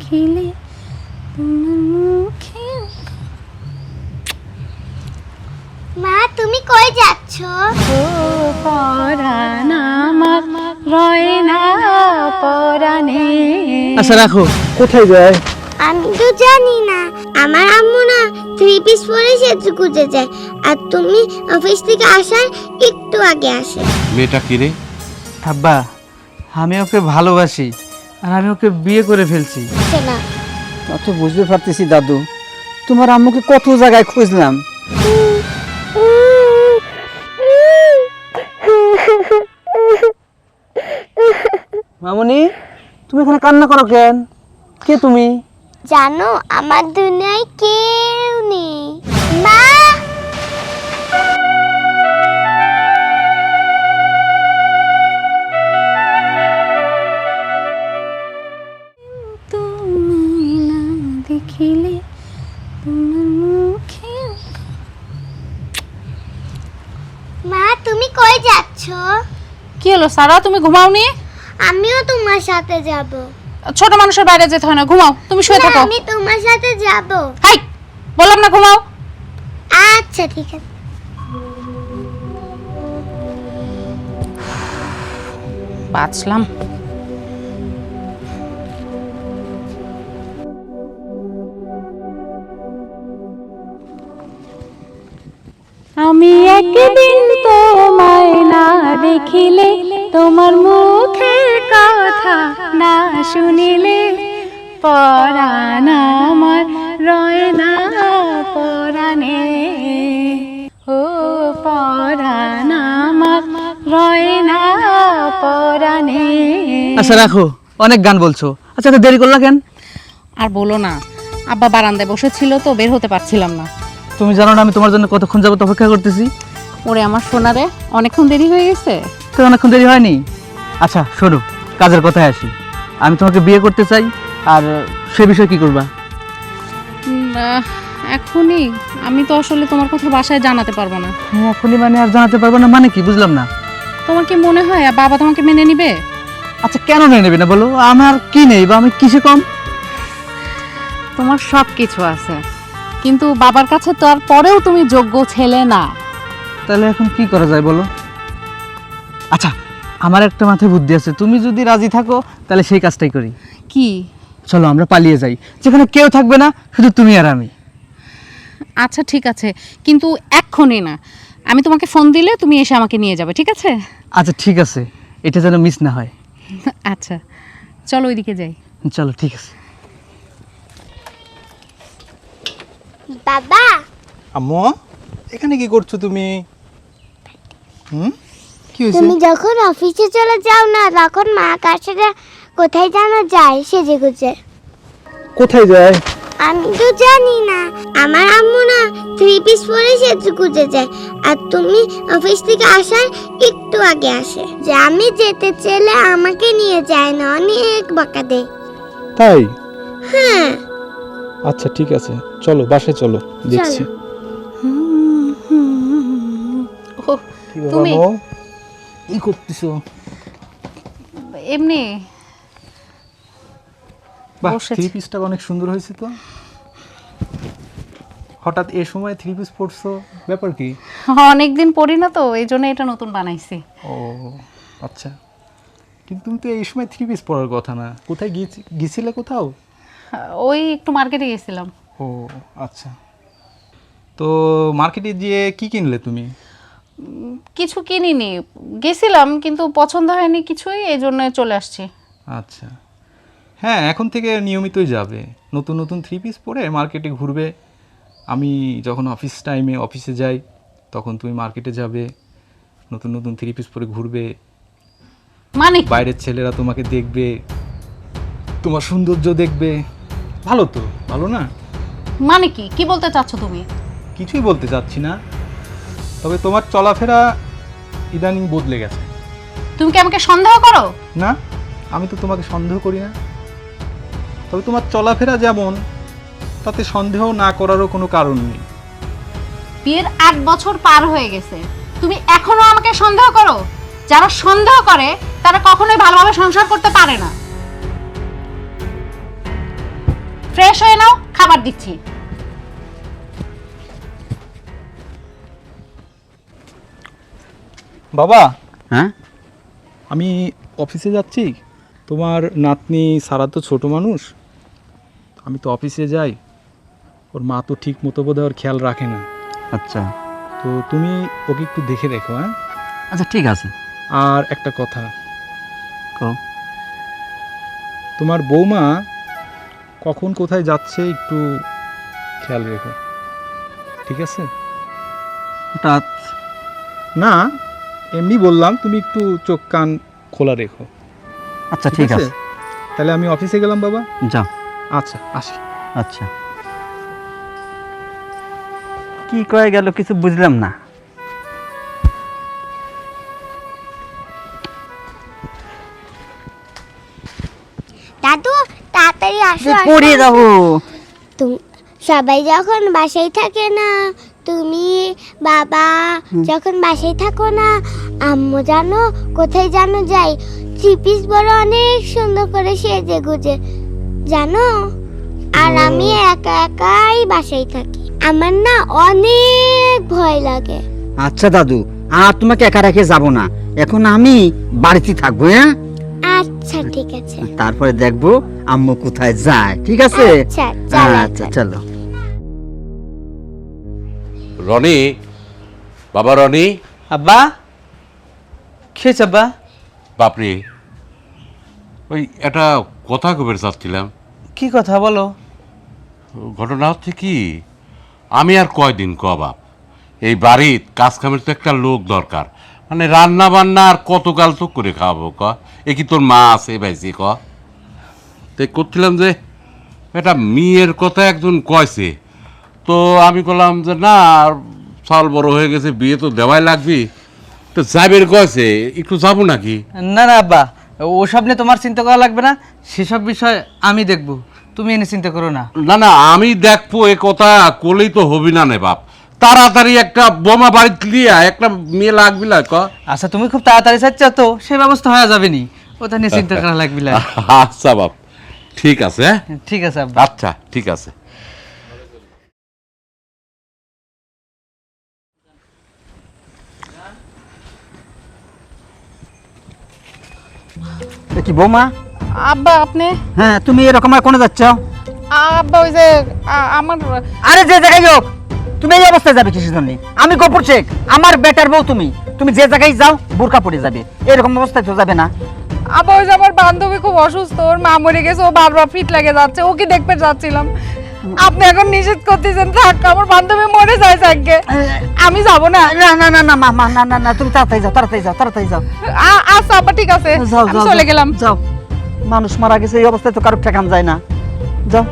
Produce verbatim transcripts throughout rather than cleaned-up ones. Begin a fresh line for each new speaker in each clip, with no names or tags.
দেখিলে তোমার মুখে।
মা তুমি কই যাচ্ছ?
ও পরাণ আমার রয় না পরাণে।
আচ্ছা রাখো, কোথায় যায়?
আমি তো জানি না। আমার আম্মু না থ্রি পিস পরে সেজে গুজে যায়, আর তুমি অফিস থেকে আসার একটু আগে আসে।
মেয়েটা কি রে?
আব্বা, আমি ওকে ভালোবাসি আর আমি ওকে বিয়ে করে ফেলছি।
না
তা তো বুঝতে পারতেছি দাদু, তোমার আম্মুকে কত জায়গায় খুঁজলাম। মামনি, তুমি এখানে কান্না করো কেন? কে তুমি?
জানো আমার দুনিয়ায় কেউ নেই। মা
তুমি না দেখিলে তোমার মুখে।
মা তুমি কই যাচ্ছ?
কি হলো সারা, তুমি ঘুমাওনি?
আমিও তোমার সাথে যাব।
ছোট মানুষের বাইরে যেতে হয় না, ঘুমাও, তুমি শুয়ে থাকো।
আমি তোমার সাথে যাব।
হাই, বললাম না ঘুমাও।
আচ্ছা ঠিক আছে।
বাঁচলাম। আমি একদিন তোমায় না দেখিলে, তোমার মুখের কথা না শুনিলে, পরাণ আমার রয় না পরাণে। ও পরাণ আমার রয় না পরাণে।
আচ্ছা রাখো, অনেক গান বলছো। আচ্ছা তো দেরি করলা কেন?
আর বলো না, আব্বা বারান্দায় বসেছিল তো বের হতে পারছিলাম না।
তুমি জানো না আমি তোমার জন্য কতক্ষণ যাবত অপেক্ষা করতেছি?
ওরে আমার সোনারে, অনেকক্ষণ দেরি হয়ে গেছে।
তো অনেকক্ষণ দেরি হয়নি। আচ্ছা শোনো, কাজের কথায় আসি। আমি তোমাকে বিয়ে করতে চাই, আর সে বিষয়ে কি করবা?
উম, আহ, এখনই আমি তো আসলে তোমার কথা বাসায় জানাতে পারবো না।
হ্যাঁ এখনই মানে আর জানাতে পারবো না মানে কি, বুঝলাম না।
তোমার কি মনে হয় আর বাবা তোমাকে মেনে নিবে?
আচ্ছা কেন মেনে নেবে না বলো? আমার কি নেই বা আমি কিসে কম?
তোমার সব কিছু আছে, কিন্তু বাবার কাছে তো আর পরেও তুমি যোগ্য ছেলে না।
তাহলে এখন কি করা যায় বলো? আচ্ছা আমার একটা মাথায় বুদ্ধি আছে, তুমি যদি রাজি থাকো তাহলে সেই কাজটাই করি।
কি?
চলো আমরা পালিয়ে যাই, যেখানে কেউ থাকবে না, শুধু তুমি আর আমি।
আচ্ছা ঠিক আছে, কিন্তু এক্ষুনি না। আমি তোমাকে ফোন দিলে তুমি এসে আমাকে নিয়ে যাবে, ঠিক আছে?
আচ্ছা ঠিক আছে, এটা যেন মিস না হয়।
আচ্ছা চলো ওইদিকে যাই।
চলো ঠিক আছে।
বাবা
আম্মু, এখানে কি করছো তুমি? হুম, কি হয়েছে?
তুমি যখন অফিসে চলে যাও না, তখন মা কার সাথে কোথায় জানা যায় সেজে গুজে?
কোথায় যায়?
আমি তো জানি না। আমার আম্মু না থ্রি পিস পরে সেজে গুজে যায়, আর তুমি অফিস থেকে আসার একটু আগে আসে। যে আমি যেতে চাইলে আমাকে নিয়ে যায় না, অনেক বকা দেয়।
তাই?
হ্যাঁ
আচ্ছা ঠিক আছে, চলো বাসায় চলো, দেখছি।
ও,
কি ব্যাপার
তুমি
আম্মু?
কি করতেছো?
এমনি
বাহ,
বসেছি।
থ্রি পিসটা অনেক সুন্দর হয়েছে তো। হঠাৎ এই সময় থ্রি পিস পরছো, ব্যাপার কি?
অনেকদিন পরি না তো, এই জন্য এটা নতুন বানাইছি।
ও আচ্ছা, কিন্তু তুমি তো এই সময় থ্রি পিস পরার কথা না। কোথায় গিয়েছি গিয়েছিলে কোথাও?
ওই একটু মার্কেটে গেছিলাম।
ও আচ্ছা, তো মার্কেটে গিয়ে কি কিনলে তুমি?
কিছু কিনিনি, গেছিলাম কিন্তু পছন্দ হয়নি কিছুই, এই জন্য চলে আসছি।
আচ্ছা, হ্যাঁ এখন থেকে নিয়মিতই যাবে, নতুন নতুন থ্রি পিস পরে মার্কেটে ঘুরবে। আমি যখন অফিস টাইমে অফিসে যাই তখন তুমি মার্কেটে যাবে, নতুন নতুন থ্রি পিস পরে ঘুরবে।
মানে
বাইরের ছেলেরা তোমাকে দেখবে, তোমার সৌন্দর্য দেখবে। ভালো তো, ভালো না?
মানে কি কি বলতে চাচ্ছ তুমি?
কিছুই বলতে চাচ্ছি না, তবে তোমার চলাফেরা ইদানিং বদলে গেছে।
তুমি কি আমাকে সন্দেহ করো?
না, আমি তো তোমাকে সন্দেহ করি না, তবে তোমার চলাফেরা যেমন, তাতে সন্দেহ না করারও কোনো কারণ নেই।
বিয়ের আট বছর পার হয়ে গেছে, তুমি এখনো আমাকে সন্দেহ করো? যারা সন্দেহ করে তারা কখনোই ভালোভাবে সংসার করতে পারে না। ফ্রেশ হয়ে নাও, খাবার দিচ্ছি।
বাবা,
হ্যাঁ
আমি অফিসে যাচ্ছি। তোমার নাতনি সারা তো ছোট মানুষ, আমি তো অফিসে যাই, ওর মা তো ঠিক মতো বোধহয় ওর খেয়াল রাখে না।
আচ্ছা
তো তুমি ওকে একটু দেখে রেখো। হ্যাঁ,
আচ্ছা ঠিক আছে।
আর একটা কথা,
কও।
তোমার বৌমা কখন কোথায় যাচ্ছে একটু খেয়াল রেখো, ঠিক আছে?
হঠাৎ
না, এমনি বললাম, তুমি একটু চোখ কান খোলা রেখো।
আচ্ছা ঠিক আছে,
তাহলে আমি অফিসে গেলাম বাবা।
যাও।
আচ্ছা, আসি।
আচ্ছা, কি কয়ে গেল কিছু বুঝলাম না।
দাদু তাড়াতাড়ি আসো আসো।
পড়ে যাবো।
তুমি সবাই যখন বাসায় থাকে না, তুমি বাবা যখন বাসায় থাকো না, আম্মু জানো কোথায় জানো যাই, থ্রি পিস বড় অনেক সুন্দর করে সেজে গুজে, জানো? আর আমি একা একাই বাসায় থাকি, আমার না অনেক ভয় লাগে।
আচ্ছা দাদু, আর তোমাকে একা রেখে যাবো না, এখন আমি বাড়িতে থাকবো। হ্যাঁ
আচ্ছা ঠিক আছে।
তারপরে দেখবো আম্মু কোথায় যায়। ঠিক আছে,
আচ্ছা চলো
আচ্ছা চলো।
রনি, বাবা রনি।
আব্বা, খেয়েছ আব্বা?
বাপরে, ওই একটা কথা কবে চাচ্ছিলাম।
কি কথা বলো?
ঘটনা হচ্ছে কি, আমি আর কয়দিন ক বাপ, এই বাড়ির কাজ কামের তো একটা লোক দরকার, মানে রান্না বান্না আর কতকাল তো করে খাওয়াবো ক? এ কি তোর মা আছে ভাইজি ক? তাই করছিলাম যে একটা মেয়ের কথা একজন কয়ছে, তো আমি বললাম যে না, সাল বড় হয়ে গেছে, বিয়ে তো দেওয়াই লাগবে, তো যাবের কয়ছে, একটু যাবো নাকি?
না না আব্বা, ওসব নিয়ে তোমার চিন্তা করা লাগবে না, সেসব বিষয় আমি দেখব, তুমি এনে চিন্তা করো না।
না না, আমি দেখবো, এ কথা করলেই তো হবি না নে বাপ, তাড়াতাড়ি একটা বোমা বাড়িতে লিয়া একটা মেয়ে লাগবি না ক?
আচ্ছা তুমি খুব তাড়াতাড়ি চাচ্ছ তো, সে ব্যবস্থা হয়ে যাবে নি, ওটা নিয়ে চিন্তা করা লাগবে না।
আচ্ছা বাপ, ঠিক আছে। হ্যাঁ
ঠিক আছে আব্বা।
আচ্ছা ঠিক আছে।
এ কি বৌমা?
আব্বা আপনি?
হ্যাঁ, তুমি এরকম আর কোনে যাচ্ছ?
আব্বা ওই যে আ- আমার
আরে যে জায়গায় হোক, তুমি এই অবস্থায় যাবে কিসের জন্য? আমি গফুর শেখ, আমার বেটার বউ তুমি, তুমি যে জায়গায় যাও বোরকা পরে যাবে, এরকম অবস্থায় তো যাবে না।
আবার ওই যে আমার বান্ধবী খুব অসুস্থ, ওর মা মরে গেছে, ও বারবার ফিট লাগে যাচ্ছে, ওকে দেখতে যাচ্ছিলাম। আপনি এখন নিষেধ করতেছেন, থাক, আমার বান্ধবী মরে যায় আজকে, আমি যাব না।
না না না না মা মা না না না, তুমি তাড়াতাড়ি যাও, তাড়াতাড়ি যাও, তাড়াতাড়ি যাও।
আ- আচ্ছা আব্বা ঠিক আছে,
যাও
আমি
যাও
চলে গেলাম।
যাও, মানুষ মারা গেছে, এই অবস্থায় তো কারো ঠেকান যায় না। যাও।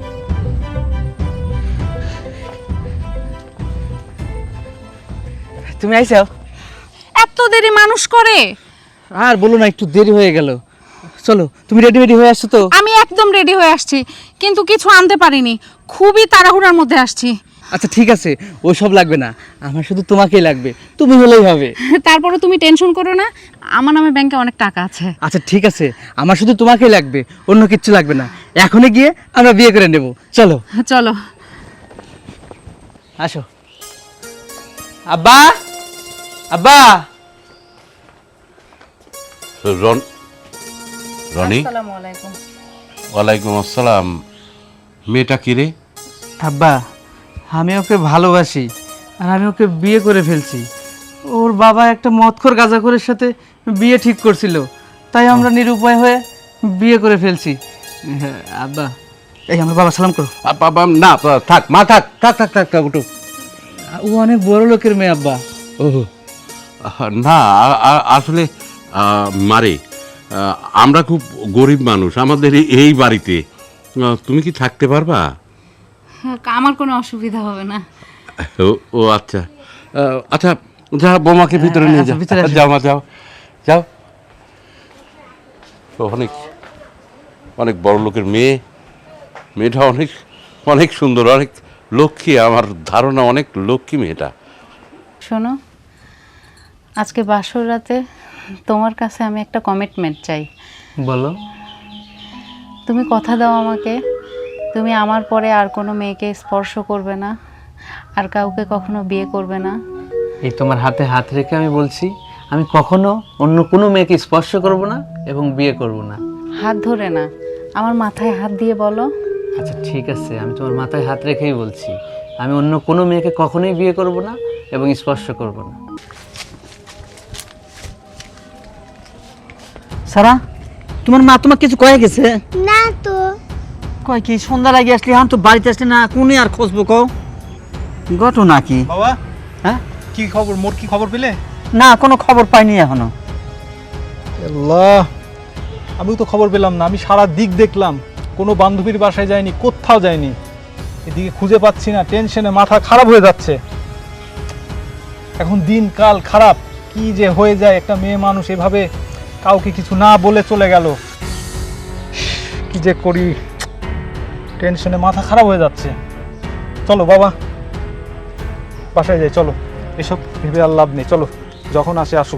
তুমি আইছো?
এত দেরি মানুষ করে?
আর বলো না, একটু দেরি হয়ে গেল। চলো, তুমি রেডি রেডি হয়ে আসছো তো?
আমি একদম রেডি হয়ে আসছি, কিন্তু কিছু আনতে পারিনি, খুবই তাড়াহুড়ার মধ্যে আসছি।
আচ্ছা ঠিক আছে, ওইসব লাগবে না, আমার শুধু তোমাকেই লাগবে, তুমি হলেই হবে।
তারপরে তুমি টেনশন করো না, আমার নামে ব্যাংকে অনেক টাকা আছে।
আচ্ছা ঠিক আছে, আমার শুধু তোমাকেই লাগবে, অন্য কিচ্ছু লাগবে না। এখনই গিয়ে আমরা বিয়ে করে নেব, চলো।
চলো।
আসো। আব্বা, আব্বা।
রন রনি,
আসসালামু আলাইকুম।
ওয়ালাইকুম আসসালাম। মেয়েটা কি রে?
আব্বা, আমি ওকে ভালোবাসি, আর আমি ওকে বিয়ে করে ফেলছি। ওর বাবা একটা মদখোর গাঁজাখোরের সাথে বিয়ে ঠিক করছিল, তাই আমরা নিরুপায় হয়ে বিয়ে করে ফেলছি। হ্যাঁ, আব্বা, এই আমার বাবা সালাম করো।
আ, বাবা, না থাক মা, থাক থাক থাক থাক থাক ওঠো।
ও অনেক বড় লোকের মেয়ে আব্বা।
ও না, আ- আ- আসলে আ, মারে, আ, আমরা খুব গরিব মানুষ, আমাদের এই- এই বাড়িতে আ, তুমি কি থাকতে পারবা?
আমার কোনো অসুবিধা হবে না।
ও ও আচ্ছা, আ, আচ্ছা যা, বোমাকে ভিতরে নিয়ে
আচ্ছা,
যাও,
ভিতরে আসো।
যাও মা, যাও যাও। ও অনেক অনেক বড় লোকের মেয়ে, মেয়েটা অনেক অনেক সুন্দর, অনেক লক্ষ্মী, আমার ধারণা অনেক লক্ষ্মী মেয়েটা।
শোনো, আজকে বাসর রাতে তোমার কাছে আমি একটা কমিটমেন্ট চাই।
বলো।
তুমি কথা দাও আমাকে তুমি আমার পরে আর কোনো মেয়েকে স্পর্শ করবে না, আর কাউকে কখনো বিয়ে করবে না।
এই তোমার হাতে হাত রেখে আমি বলছি, আমি কখনো অন্য কোনো মেয়েকে স্পর্শ করব না এবং বিয়ে করব না।
হাত ধরে না, আমার মাথায় হাত দিয়ে বলো।
আচ্ছা ঠিক আছে, আমি তোমার মাথায় হাত রেখেই বলছি, আমি অন্য কোনো মেয়েকে কখনোই বিয়ে করব না এবং স্পর্শ করব না।
সারা, তোমার মা তোমাকে কিছু কয়ে গেছে?
না তো।
কয় কি সন্ধ্যা লাগে আসলি, এখন তো বাড়িতে আসলি না, কোনে আর খুঁজবো কও? ঘটনা কি?
বাবা,
হ্যাঁ
কি খবর? মোর কি খবর পেলে?
না, কোনো খবর পাইনি এখনো।
আল্লাহ, আমিও তো খবর পেলাম না। আমি সারা দিক দেখলাম, কোনো বান্ধবীর বাসায় যায়নি, কোথাও যায়নি। এদিকে খুঁজে পাচ্ছি না, টেনশনে মাথা খারাপ হয়ে যাচ্ছে। এখন দিন কাল খারাপ, কি যে হয়ে যায়। একটা মেয়ে মানুষ এভাবে কাউকে কিছু না বলে চলে গেল, কি যে করি, টেনশনে মাথা খারাপ হয়ে যাচ্ছে। চলো বাবা, বাসায় যাই, চলো। এসব ভেবে আর লাভ নেই, চলো, যখন আসে আসুক।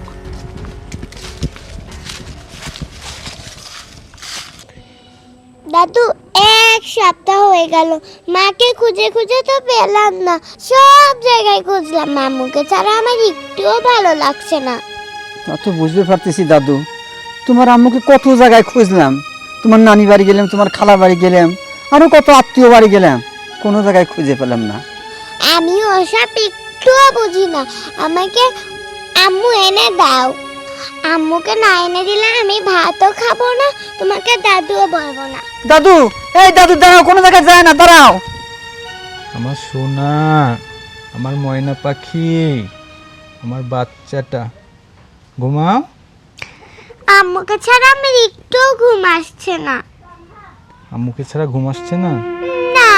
দাদু, এক সপ্তাহ হয়ে গেল, মাকে খুঁজে খুঁজে তো পেলাম না। সব জায়গায় খুঁজলাম, মামুকে ছাড়া আমার একটুও ভালো লাগছে না।
তা তো বুঝতে পারতেছি দাদু, তোমার আম্মুকে কত জায়গায় খুঁজলাম। তোমার নানি বাড়ি গেলাম, তোমার খালা বাড়ি গেলাম, আরো কত আত্মীয় বাড়ি গেলাম, কোনো জায়গায় খুঁজে পেলাম না।
আমি ওসব একটুও বুঝি না, আমাকে আম্মু এনে দাও। আম্মুকে না এনে দিলে আমি ভাতও খাবো না, তোমাকে দাদুও বলবো না।
দাদু, এই দাদু দাঁড়াও, কোনো জায়গায় যায় না, দাঁড়াও।
আমার সোনা, আমার ময়না পাখি, আমার বাচ্চাটা, ঘুমাও।
আম্মুকে ছাড়া আমার একটুও ঘুম আসছে না।
আম্মুকে ছাড়া ঘুম আসছে না?
না।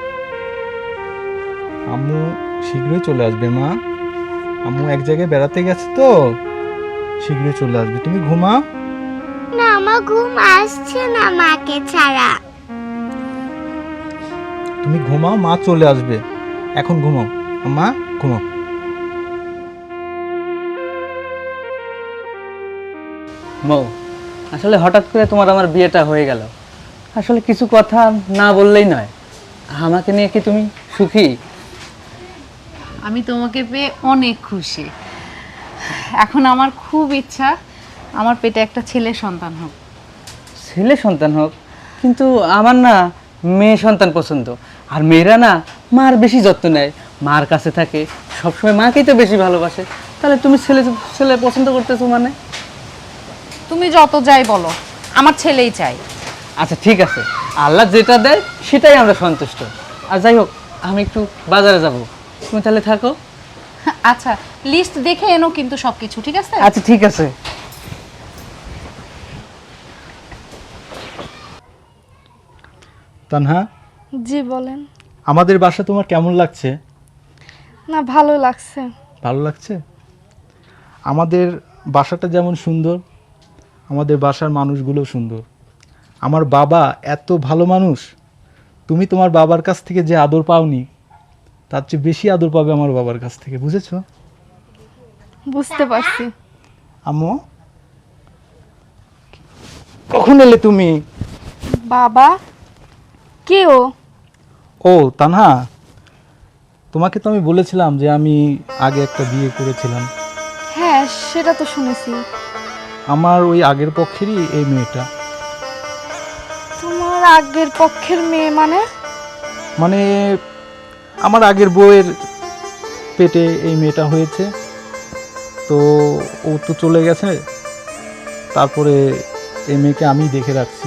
আম্মু শীঘ্রই চলে আসবে মা। আম্মু এক জায়গায় বেড়াতে গেছে তো, শীঘ্রই চলে আসবে। তুমি ঘুমাও।
না, আমার ঘুম আসছে না মাকে ছাড়া।
তুমি ঘুমাও, মা চলে আসবে। এখন ঘুমাও মা, ঘুমাও।
মৌ, আসলে হঠাৎ করে তোমার আমার বিয়েটা হয়ে গেল, আসলে কিছু কথা না বললেই নয়। আমাকে নিয়ে কি তুমি সুখী?
আমি তোমাকে পেয়ে অনেক খুশি। এখন আমার খুব ইচ্ছা আমার পেটে একটা ছেলে সন্তান হোক।
ছেলে সন্তান হোক, কিন্তু আমার না মেয়ে সন্তান পছন্দ। আর মেয়েরা না মার বেশি যত্ন নেয়, মার কাছে থাকে, সবসময় মাকেই তো বেশি ভালোবাসে। তাহলে তুমি ছেলে ছেলে পছন্দ করতেছো মানে?
তুমি যত যাই বলো, আমার ছেলেই চাই।
আচ্ছা ঠিক আছে, আল্লাহ যেটা দেয় সেটাই আমরা সন্তুষ্ট। আর যাই হোক, আমি একটু বাজারে যাব, তুমি তাহলে থাকো।
আচ্ছা, লিস্ট দেখে এনো কিন্তু সবকিছু, ঠিক আছে?
আচ্ছা ঠিক আছে।
তানহা,
জি বলেন।
আমাদের বাসা তোমার কেমন লাগছে?
না, ভালো লাগছে।
ভালো লাগছে? আমাদের বাসাটা যেমন সুন্দর, আমাদের বাসার মানুষগুলো সুন্দর। আমার বাবা এত ভালো মানুষ, তুমি তোমার বাবার কাছ থেকে যে আদর পাওনি, তার চেয়ে বেশি আদর পাবে আমার বাবার কাছ থেকে, বুঝেছো?
বুঝতে পারছি।
আম্মু, কখন এলে তুমি?
বাবা? কে ও?
ও তানহা, তোমাকে তো আমি বলেছিলাম যে আমি আগে একটা বিয়ে করেছিলাম।
হ্যাঁ, সেটা তো শুনেছি।
আমার ওই আগের পক্ষেরই এই মেয়েটা।
তোমার আগের পক্ষের মেয়ে মানে?
মানে আমার আগের বউয়ের পেটে এই মেয়েটা হয়েছে, তো ও তো চলে গেছে, তারপরে এই মেয়েকে আমি দেখে রাখছি।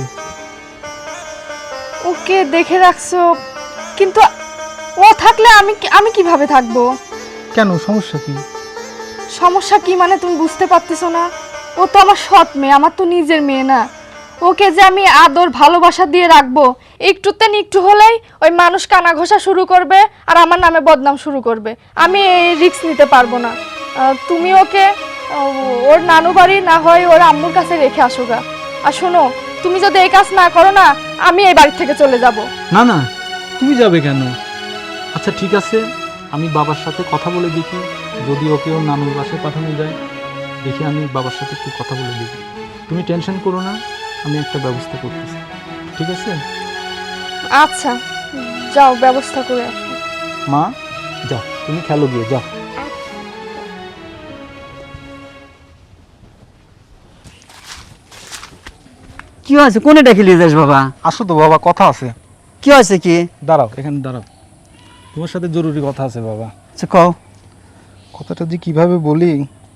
ওকে দেখে রাখছো, কিন্তু ও থাকলে আমি কি- আমি কিভাবে থাকবো?
কেন, সমস্যা কি?
সমস্যা কি মানে তুমি বুঝতে পারতেছো না? ও তো আমার সৎ মেয়ে, আমার তো নিজের মেয়ে না। ওকে যে আমি আদর ভালোবাসা দিয়ে রাখবো, একটুতে একটু হলেই ওই মানুষ কানা ঘষা শুরু করবে আর আমার নামে বদনাম শুরু করবে। আমি এই রিস্ক নিতে পারবো না। আহ, তুমি ওকে আহ, ওর নানু বাড়ি না হয় ওর আম্মুর কাছে রেখে আসো গা। আর শোনো, তুমি যদি এই কাজ না করো না, আমি এই বাড়ি থেকে চলে যাব।
না না, তুমি যাবে কেন? আচ্ছা ঠিক আছে, আমি বাবার সাথে কথা বলে দেখি, যদি ওকে ওর নানুর বাসায় পাঠানো যায়, দেখি আমি বাবার সাথে একটু কথা বলে দেখি। তুমি টেনশন করো না, আমি একটা ব্যবস্থা করতেছি, ঠিক আছে?
আচ্ছা যাও ব্যবস্থা করে আসো।
মা যাও, তুমি খেলো গিয়ে যাও।
কি হয়েছে? কোনে ডেকে নিয়ে যাস বাবা?
আসো তো বাবা, কথা আছে।
কি হয়েছে কি?
দাঁড়াও, এখানে দাঁড়াও, তোমার সাথে জরুরি কথা আছে বাবা।
আচ্ছা কও।
কথাটা যে কিভাবে বলি,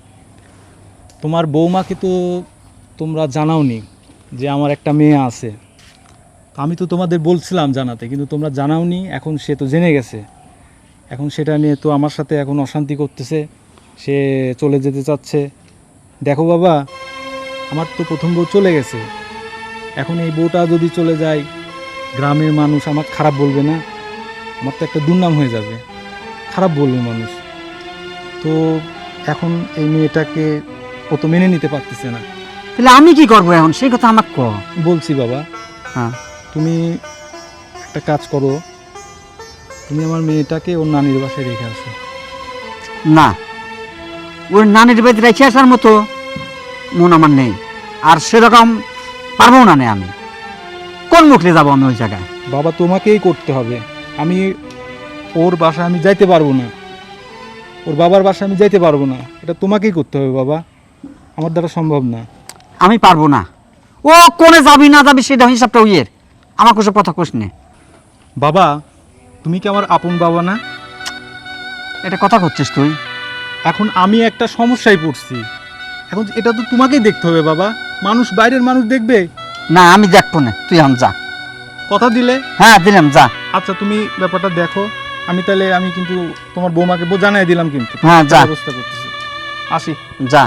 তোমার বৌমাকে তো তোমরা জানাওনি যে আমার একটা মেয়ে আছে। তো আমি তো তোমাদের বলছিলাম জানাতে, কিন্তু তোমরা জানাওনি। এখন সে তো জেনে গেছে, এখন সেটা নিয়ে তো আমার সাথে এখন অশান্তি করতেছে, সে চলে যেতে চাচ্ছে। দেখো বাবা, আমার তো প্রথম বউ চলে গেছে, এখন এই বউটা যদি চলে যায়, গ্রামের মানুষ আমার খারাপ বলবে না? আমার তো একটা দুর্নাম হয়ে যাবে, খারাপ বলবে মানুষ। তো এখন এই মেয়েটাকে ও তো মেনে নিতে পারতেছে না।
তাহলে আমি কি করবো এখন, সেই কথা আমাকে ক।
বলছি বাবা,
হ্যাঁ
তুমি একটা কাজ করো, তুমি আমার মেয়েটাকে ওর নানির বাসায় রেখে আসো।
না, ওর নানির বাড়িতে রেখে আসার মতো মন আমার নেই, আর সেরকম পারবো না। নেই আমি কোন মুখে যাবো আমি ওই জায়গায়?
বাবা তোমাকেই করতে হবে। আমি ওর বাসায় আমি যাইতে পারবো না, ওর বাবার বাসায় আমি যাইতে পারবো না, এটা তোমাকেই করতে হবে বাবা, আমার দ্বারা সম্ভব না।
আমি পারবো না। ও কোনে যাবি না যাবি সেটা হিসাবটা ওইয়ের, আমার কোসব কথা কোস নে।
বাবা তুমি কি আমার আপন বাবা না?
এটা কথা করছিস তুই?
এখন আমি একটা সমস্যায় পড়ছি, এখন এটা তো তোমাকেই দেখতে হবে বাবা, মানুষ বাইরের মানুষ দেখবে।
না আমি দেখবো না, তুই এখন যা।
কথা দিলে?
হ্যাঁ দিলাম, যা।
আচ্ছা তুমি ব্যাপারটা দেখো, আমি তাহলে আমি কিন্তু তোমার বৌমাকে বো- জানাই দিলাম, কিন্তু
হ্যাঁ, যা।
ব্যবস্থা করতেছি, আসি।
যা।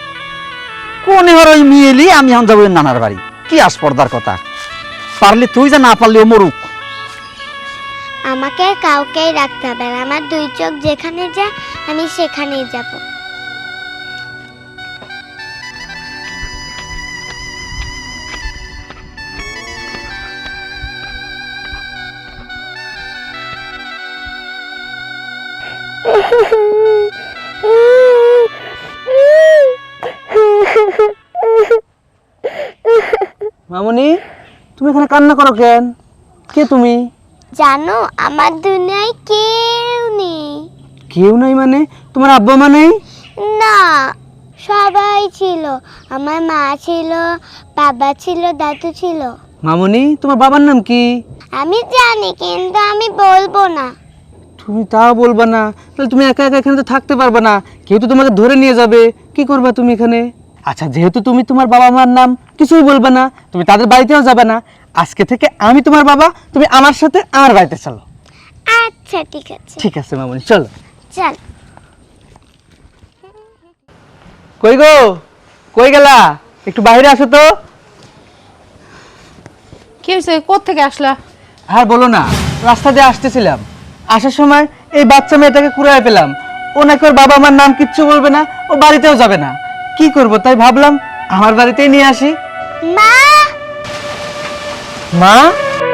কোন এবার ওই মেয়েলি আমি এখন যাবো ওই নানার বাড়ি? কি আসপর্দার কথা, পারলে তুই যা, না পারলে ও মরুক।
আমাকে আর কাউকেই রাখতে হবে না, আমার দুই চোখ যেখানে যায় আমি সেখানেই যাব।
মামনি, তুমি এখানে কান্না করো কেন? কে তুমি?
জানো আমার দুনিয়ায় কেউ নেই।
কেউ নাই মানে? তোমার আব্বা মা নেই?
না, সবাই ছিল। আমার মা ছিল, বাবা ছিল, দাদু ছিল।
মামনি, তোমার বাবার নাম কি?
আমি জানি কিন্তু আমি বলবো না।
তুমি তাও বলবা না? তাহলে তুমি একা একা এখানে তো থাকতে পারবে না, কেউ তো তোমাকে ধরে নিয়ে যাবে। কি করবা তুমি এখানে? আচ্ছা, যেহেতু তুমি তোমার বাবা মার নাম কিছুই বলবে না, তুমি তাদের বাড়িতেও যাবে না, আজকে থেকে আমি তোমার বাবা, তুমি আমার সাথে আমার বাড়িতে চলো।
আচ্ছা ঠিক আছে।
ঠিক আছে মামনি, চলো।
চল।
কই গো, কই গেলা? একটু বাইরে আসো তো।
কি হয়েছে? কোত্থেকে আসলা?
আর বলো না, রাস্তা দিয়ে আসতেছিলাম, আসার সময় এই বাচ্চা মেয়েটাকে কুড়ায় পেলাম। ও নাকি ওর বাবা মার নাম কিচ্ছু বলবে না, ও বাড়িতেও যাবে না। কি করব, তাই ভাবলাম আমার বাড়িতেই নিয়ে আসি।
মা,
মা